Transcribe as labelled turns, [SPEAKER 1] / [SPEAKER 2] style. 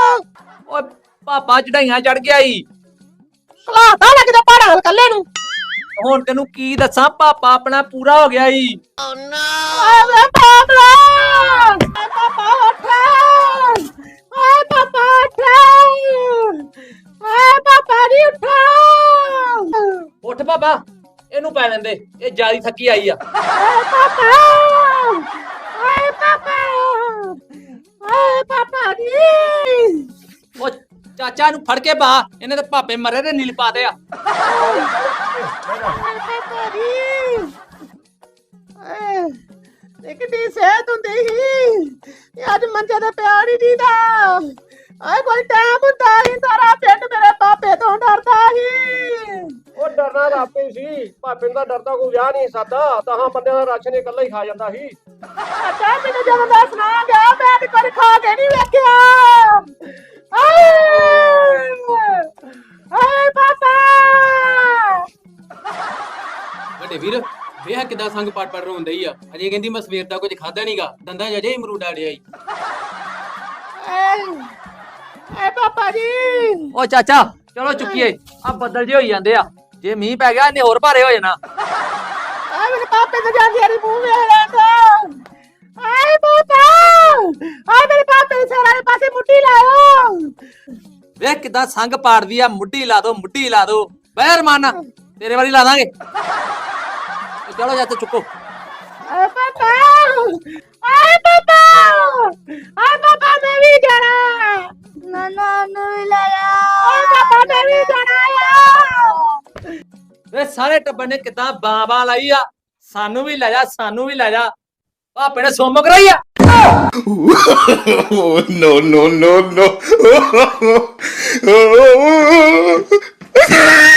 [SPEAKER 1] ਓਏ ਪਾਪਾ ਚੜਾਈਆਂ ਚੜ ਗਿਆ ਈ।
[SPEAKER 2] ਕਲਾਤਾ ਲੱਗਦਾ ਪਹਾੜਾਂ ਵੱਲ ਕੱਲੇ ਨੂੰ।
[SPEAKER 1] ਹੁਣ ਤੈਨੂੰ ਕੀ ਦੱਸਾਂ, ਪਾਪਾ ਆਪਣਾ ਪੂਰਾ ਹੋ ਗਿਆ ਈ।
[SPEAKER 2] ਓਏ ਪਾਪਾ ਉੱਠ। ਓਏ ਪਾਪਾ ਉੱਠ। ਓਏ ਪਾਪਾ ਨੀ ਉੱਠ।
[SPEAKER 1] ਉੱਠ ਪਾਪਾ, ਇਹਨੂੰ ਪੈ ਲੈਂਦੇ, ਇਹ ਜਿਆਦੀ ਥੱਕੀ ਆਈ ਆ।
[SPEAKER 2] ਓਏ ਪਾਪਾ। ਓਏ ਪਾਪਾ। ਓਏ ਪਾਪਾ ਨੀ।
[SPEAKER 1] ਓ ਚਾਚਾ ਨੂੰ ਫੜ ਕੇ ਬਾ, ਇਹਨੇ ਤੇ ਪਾਪੇ ਮਰੇ ਦੇ ਨੀਲ ਪਾ ਦੇ ਆ।
[SPEAKER 2] ਕਿੰਨੀ ਸਿਹਤ ਹੁੰਦੀ ਸੀ, ਅੱਜ ਮੰਜੇ ਤੇ ਪਿਆ ਨਹੀਂ ਦੀਦਾ। ਆਏ ਕੋਈ ਟਾਈਮ ਹੁੰਦਾ ਸੀ, ਸਾਰਾ ਪਿੰਡ ਮੇਰੇ ਪਾਪੇ ਤੋਂ ਡਰਦਾ ਸੀ।
[SPEAKER 3] ਉਹ ਡਰਨਾ ਰਾਪੇ ਸੀ, ਭਾਪੇ ਦਾ ਡਰਦਾ ਕੋਈ ਵਿਆਹ ਨਹੀਂ ਸਕਦਾ। ਤਾਂ ਬੰਦਿਆਂ ਦਾ ਰਾਸ਼ਨ ਇਕੱਲਾ ਹੀ ਖਾ ਜਾਂਦਾ ਸੀ।
[SPEAKER 2] ਅੱਛਾ ਮੈਨੂੰ ਜਦੋਂ ਦਾ ਸੁਣਾ ਗਿਆ, ਮੈਂ ਤੇ ਕਦੇ ਖਾ ਕੇ ਨਹੀਂ ਵੇਖਿਆ। ਆਏ ਪਾਪਾ।
[SPEAKER 4] ਵੱਡੇ ਵੀਰ ਵੇਖ ਕਿਦਾਂ ਸੰਗ ਪੜ ਰੋਂਦਾ ਹੀ ਆ। ਅਜੇ ਕਹਿੰਦੀ ਮੈਂ ਸਵੇਰ ਦਾ ਕੁਝ ਖਾਦਾ ਨਹੀਂਗਾ, ਦੰਦਾਂ ਜਜੇ ਹੀ ਮਰੂਡਾ ਡਿਆ ਈ।
[SPEAKER 2] ਏ ਪਾਪਾ ਜੀ।
[SPEAKER 1] ਓ ਚਾਚਾ ਚਲੋ ਚੁੱਕੀਏ, ਆ ਬੱਦਲ ਜੇ ਹੋਈ ਜਾਂਦੇ ਆ, ਜੇ ਮੀਂਹ ਪੈ ਗਿਆ ਇਹਨੇ ਹੋਰ ਭਾਰੇ ਹੋ ਜਾਣਾ।
[SPEAKER 2] ਆਏ ਮੇਰੇ ਪਾਪੇ ਤੇ ਜਾਂਦੀ ਆਰੀ ਮੂੰਹ ਵੇਖ ਲੈਂਦਾ। ਆਏ ਪਾਪਾ। ਆਏ ਮੇਰੇ ਪਾਪੇ ਦੇ ਸਿਰ ਵਾਲੇ ਪਾਸੇ ਮੁੱਢੀ ਲਾਓ।
[SPEAKER 1] ਵੇਖ ਕਿਦਾਂ ਸੰਗ ਪਾੜਦੀ ਆ, ਮੁੱਢੀ ਲਾ ਦੋ, ਮੁੱਢੀ ਲਾ ਦੋ। ਬਹਿਰ ਮਾਨਾ ਤੇਰੇ ਵਾਲੀ ਲਾ ਦਾਂਗੇ। ਚਲੋ ਚਾਚਾ ਚੁੱਕੋ।
[SPEAKER 2] ਆਏ ਪਾਪਾ। ਆਏ ਪਾਪਾ। ਆਏ ਪਾਪਾ ਮੈਂ ਵੀ ਜਾਣਾ। ਨਾਨਾ ਨੂੰ ਵੀ ਲੈ ਜਾ। ਆਏ ਪਾਪਾ ਮੈਂ ਵੀ ਜਾਣਾ।
[SPEAKER 1] ਵੇ ਸਾਰੇ ਟੱਬਰ ਨੇ ਕਿਦਾਂ ਬਾਂਬਾਂ ਲਾਈ ਆ, ਸਾਨੂੰ ਵੀ ਲੈ ਜਾ, ਸਾਨੂੰ ਵੀ ਲੈ ਜਾ। ਭਾਪੇ ਨੇ ਸੋਮ ਕਰਾਈ ਆ।
[SPEAKER 5] no, no, no, no.